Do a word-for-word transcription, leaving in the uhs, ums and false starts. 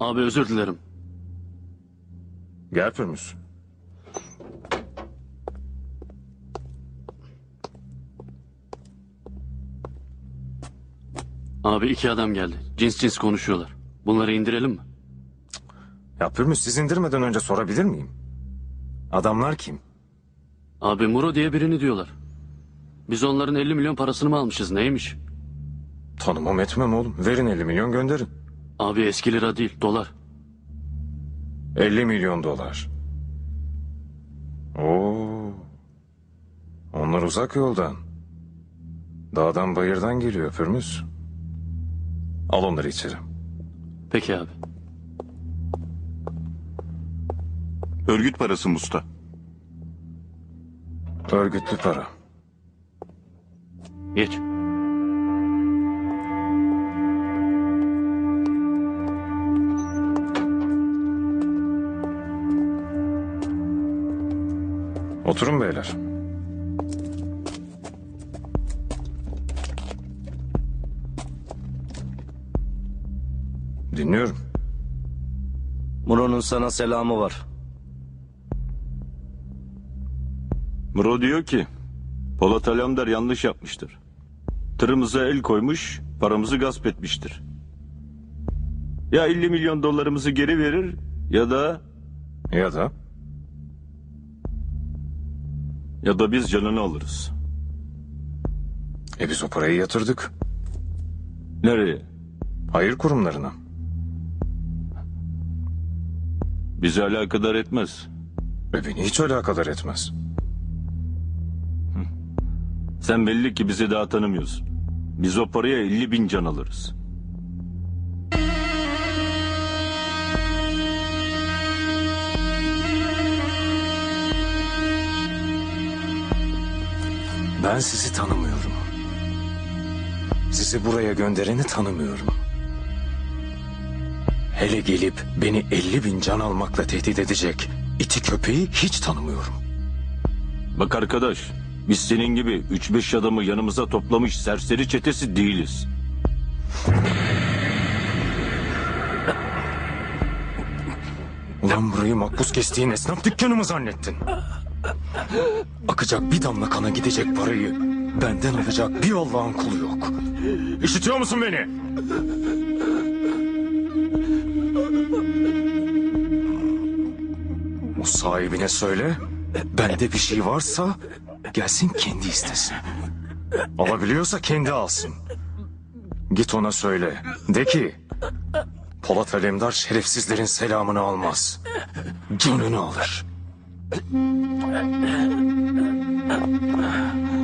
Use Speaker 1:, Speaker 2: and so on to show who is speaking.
Speaker 1: Abi özür dilerim.
Speaker 2: Gel Pürmüz.
Speaker 1: Abi iki adam geldi. Cins cins konuşuyorlar. Bunları indirelim mi?
Speaker 2: Ya Pürmüz, siz indirmeden önce sorabilir miyim? Adamlar kim?
Speaker 1: Abi Muro diye birini diyorlar. Biz onların elli milyon parasını mı almışız, neymiş?
Speaker 2: Tanımam etmem oğlum. Verin elli milyon gönderin.
Speaker 1: Abi eski lira değil, dolar.
Speaker 2: elli milyon dolar. Oo. Onlar uzak yoldan. Dağdan bayırdan geliyor Pürmüz. Al onları içeri.
Speaker 1: Peki abi.
Speaker 3: Örgüt parası Musta.
Speaker 2: Örgütlü para.
Speaker 1: Geç.
Speaker 2: Oturun beyler. Dinliyorum.
Speaker 4: Muro'nun sana selamı var.
Speaker 3: Muro diyor ki Polat Alemdar yanlış yapmıştır. Tırımıza el koymuş, paramızı gasp etmiştir. Ya elli milyon dolarımızı geri verir ya da
Speaker 2: Ya da?
Speaker 3: ya da biz canını alırız.
Speaker 2: E biz o parayı yatırdık.
Speaker 3: Nereye?
Speaker 2: Hayır kurumlarına.
Speaker 3: Bizi alakadar etmez.
Speaker 2: Ve beni hiç alakadar etmez.
Speaker 3: Sen belli ki bizi daha tanımıyorsun. Biz o paraya elli bin can alırız.
Speaker 2: Ben sizi tanımıyorum. Sizi buraya göndereni tanımıyorum. Hele gelip beni elli bin can almakla tehdit edecek iti köpeği hiç tanımıyorum.
Speaker 3: Bak arkadaş, biz senin gibi üç beş adamı yanımıza toplamış serseri çetesi değiliz.
Speaker 2: Ulan burayı makbuz kestiğin esnaf dükkanı mı zannettin? Akacak bir damla kana gidecek parayı benden alacak bir Allah'ın kulu yok. İşitiyor musun beni? O sahibine söyle, bende bir şey varsa gelsin kendi istesin. Alabiliyorsa kendi alsın. Git ona söyle, de ki Polat Alemdar şerefsizlerin selamını almaz. Canını alır.